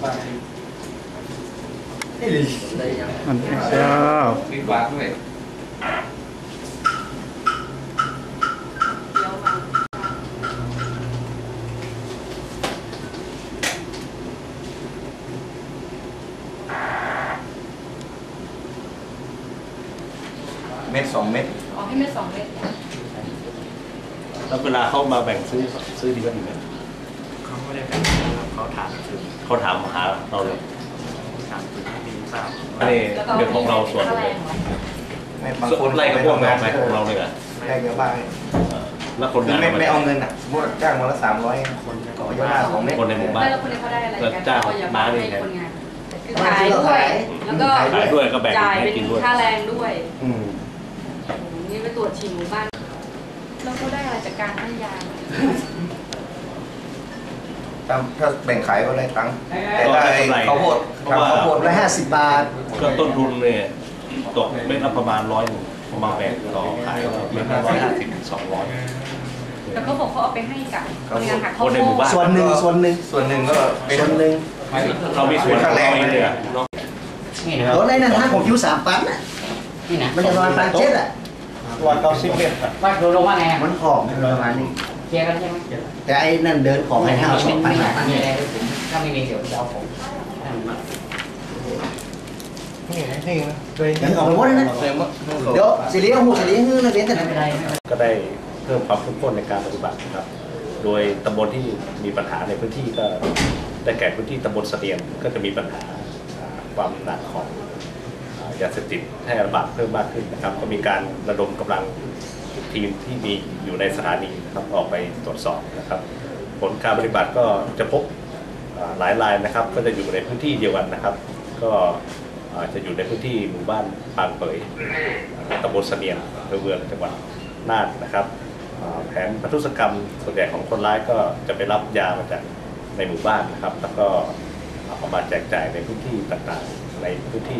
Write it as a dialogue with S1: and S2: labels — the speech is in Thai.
S1: มันเจ้า
S2: มีบาทด้วยเม็ด2 เม็ด
S3: อ๋อให้เม็ด2 เม็ด
S4: แล้วเวลาเขามาแบ่งซื้อดีกว่าดีไหม
S5: เขาไม่ได้แบ่งเขาถามซื้อ
S4: เขาถามหาเราเลย
S5: ถามซื้อมีทราบ
S4: นี่เรื่องของเราส่วนเลย
S2: บางคน
S4: ไล่กับพวกเราไหมของเราเลยอ่ะ
S2: ได้เยอะบ้าง
S4: แล้วคนงาน
S2: ไม่เอาเงินอ่ะสมมติจ้างวันละ300คนก็เยอะมาก2 เม็ด
S4: คนในหมู่บ้าน
S3: แล้วคนนี้เขาได้อะไรกัน
S4: จ้างม้านี่ไง
S3: คือขายด้วยแล้วก็
S4: ขายด้วยก็แบ่ง
S3: จ่าย
S4: ให้
S3: เป็น
S4: กินด้วย
S3: ค่าแรงด้วย
S4: นี่
S3: ไปตรวจฉี่หมู่บ้านแล้วเขาได้อะไรจากการให้ยา
S2: ถ้าแบ่งขายก็ได้ตังค์แต่ได้ข้าวโพด150 บาท
S4: ก็ต้นทุนเนี่ยตกเม็ดละประมาณ100ประมาณแบ่งต่อขายเม็ดละ150 ถึง 200
S3: แล้วเขาบอกเขาเอาไปให้กับคนงานหักข้าวโพด
S2: ส่วนหนึ่งก็เป็นส่วนหนึ่ง
S4: เรามีส่วนแรงเลยอ่ะ
S6: รถในนั้น5 ของคิว3 ปันน่ะนี่นะมันจะประมาณ1,700อ่ะ
S2: วันเรา10 เม็ด
S6: ว่าโดนลงว่าไงมันของประมาณนี้เคลียร์กันใช่ไหมแต่ไอ้นั่นเดินของให้5 2 ปันนี่แหละถ้าไม่มีเดี๋ยวจะเอาของ
S2: นี่นะ
S6: ยังออกไปหมดเลยนะเดี๋ยวสิเลี้ยงหูสิเลี้ยงฮื้อนะเลี้ยงแต่ไม่เป็นไร
S4: ก็ได้เพิ่มความเข้มข้นในการปฏิบัติครับโดยตำบลที่มีปัญหาในพื้นที่ก็ได้แก่พื้นที่ตำบลเสดียงก็จะมีปัญหาความหนักของยาเสพติดแพร่ระบาดเพิ่มมากขึ้นนะครับก็มีการระดมกำลังทีมที่มีอยู่ในสถานีนะครับออกไปตรวจสอบนะครับผลการปฏิบัติก็จะพบหลายรายนะครับก็จะอยู่ในพื้นที่เดียวกันนะครับก็จะอยู่ในพื้นที่หมู่บ้านปางเปยตำบลเสดียงอำเภอเมืองจังหวัดน่านนะครับแผนพัทุศกรรมส่วนใหญ่ของคนร้ายก็จะไปรับยามาจากในหมู่บ้านนะครับแล้วก็เอามาแจกจ่ายในพื้นที่ต่างๆในพื้นที่